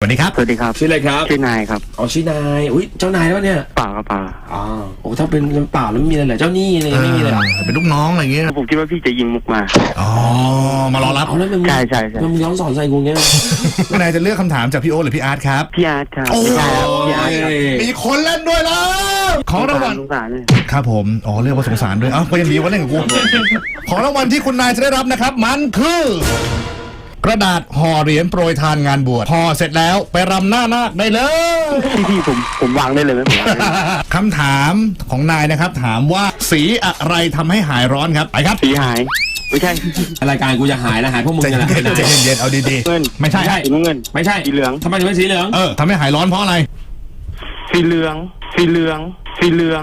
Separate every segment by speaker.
Speaker 1: สดีครับ
Speaker 2: สวัสดีครับ
Speaker 3: ชื่ออะไรครับ
Speaker 2: ชื่อนายครับ
Speaker 3: อ๋อชื่อนายอุ้ยเจ้านายแล้วเนี่ย
Speaker 2: เปล่าครับเปล่า
Speaker 3: อ๋อโอ้ถ้าเป็นเปล่าแล้วไม่มีอะไรเหรอเจ้าหนี้อะไรไม่มีเลยเหรอ
Speaker 1: เป็นลูกน้องอะไรเงี้ย
Speaker 2: ผมคิดว่าพี่จะยิงมุกมา
Speaker 1: อ๋อมารอรับ
Speaker 3: เอาแล้วมัน
Speaker 2: ใช่ใช่ใช่
Speaker 3: มันย้อนสอนใส่กูเงี้ย
Speaker 1: นายจะเลือกคำถามจากพี่โอ๊ตหรือพี่อาร์ตครับ
Speaker 2: พี่อาร์ตครับ
Speaker 1: โอ้
Speaker 2: ไม่ใช่ครับพี่อาร์ตครับ
Speaker 1: มีคนเล่นด้วยแล้วของรางวัล
Speaker 2: สงสารเลย
Speaker 1: ครับผมอ๋อเรียกว่าสงสารด้วยอ้าวก็ยังดีว่าเล่นกับกูของรางวัลที่คุณนายจะได้รับนะครับมันคือกระดาษห่อเหรียญโปรยทานงานบวชห่อเสร็จแล้วไปรำหน้านาคได้เลย
Speaker 2: พี่ผมวางได้เลยไหมผมวางได้เลย
Speaker 1: คำถามของนายนะครับถามว่าสีอะไรทำให้หายร้อนครับไปครับ
Speaker 2: สีหายไม่ใช่
Speaker 3: รายการกูจะหายแล้วหายพวกมึง
Speaker 1: ใจ
Speaker 3: จะหาย
Speaker 1: เย็นใจเย็นเอาดี
Speaker 2: เงิน
Speaker 1: ๆไม่ใช่
Speaker 2: สีน้ำเงิน
Speaker 3: ไม่ใช่
Speaker 2: สีเหลือง
Speaker 3: ทำไมถึงเป็นสีเหลือง
Speaker 1: ทำให้หายร้อนเพราะอะไร
Speaker 2: สีเหลืองสีเหลืองสีเหลือง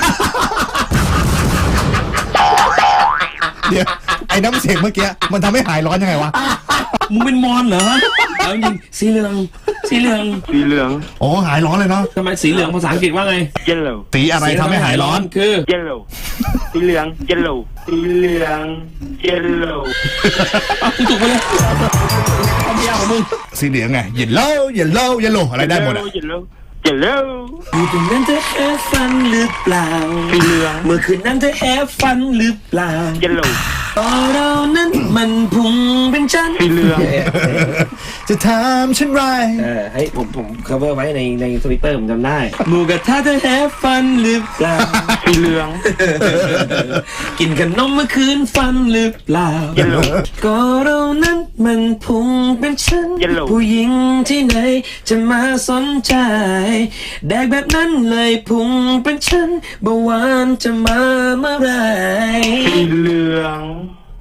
Speaker 1: เดี๋ยวไอ้น้ำเสียงเมื่อกี้มันทำให้หายร้อนยังไงวะ
Speaker 3: มึงเป็นมอนเหรอเอาจริงสีเหลืองสีเหลือง
Speaker 2: สีเหลือง
Speaker 1: โอ้หายร้อนเลยเนาะ
Speaker 3: ทำไมสีเหลืองภาษาอังกฤษว่าไง
Speaker 2: yellow
Speaker 1: สีอะไรทำให้หายร้อน
Speaker 3: คือ
Speaker 2: yellow สีเหลือง yellow สีเหลือง yellow
Speaker 3: เอาถูกไปเลยเอาไม่เอาของมึง
Speaker 1: สีเหลืองไงเย็นเล่าอะไรได้หมดอะ
Speaker 2: yellow yellow
Speaker 3: อยู่ตรงนั้นเธอแอบฟันหรือเปล่า
Speaker 2: สีเหลือง
Speaker 3: เมื่อคืนนั้นเธอแอบฟันหรือเปล่า
Speaker 2: yellow
Speaker 3: ตอนเรานั้นมันพุงเป็นชั้น
Speaker 2: สีเหลือง
Speaker 1: จะถามฉันไร
Speaker 3: ให้ผม cover ไว้ในทวิตเตอร์ผมจำได้หมูกระทะเธอแอบฟันหรือเปล่า
Speaker 2: สีเหลือง
Speaker 3: กินขนมเมื่อคืนฟันหรือเปล่า
Speaker 2: yellow
Speaker 3: ก็เรานั้นมันพุงเป็นชั้น
Speaker 2: Yellow
Speaker 3: ผู้หญิงที่ไหนจะมาสนใจแดกแบบนั้นเลยพุงเป็นชั้นเบาหวานจะมาเมื่อไหร
Speaker 2: สีเหลือง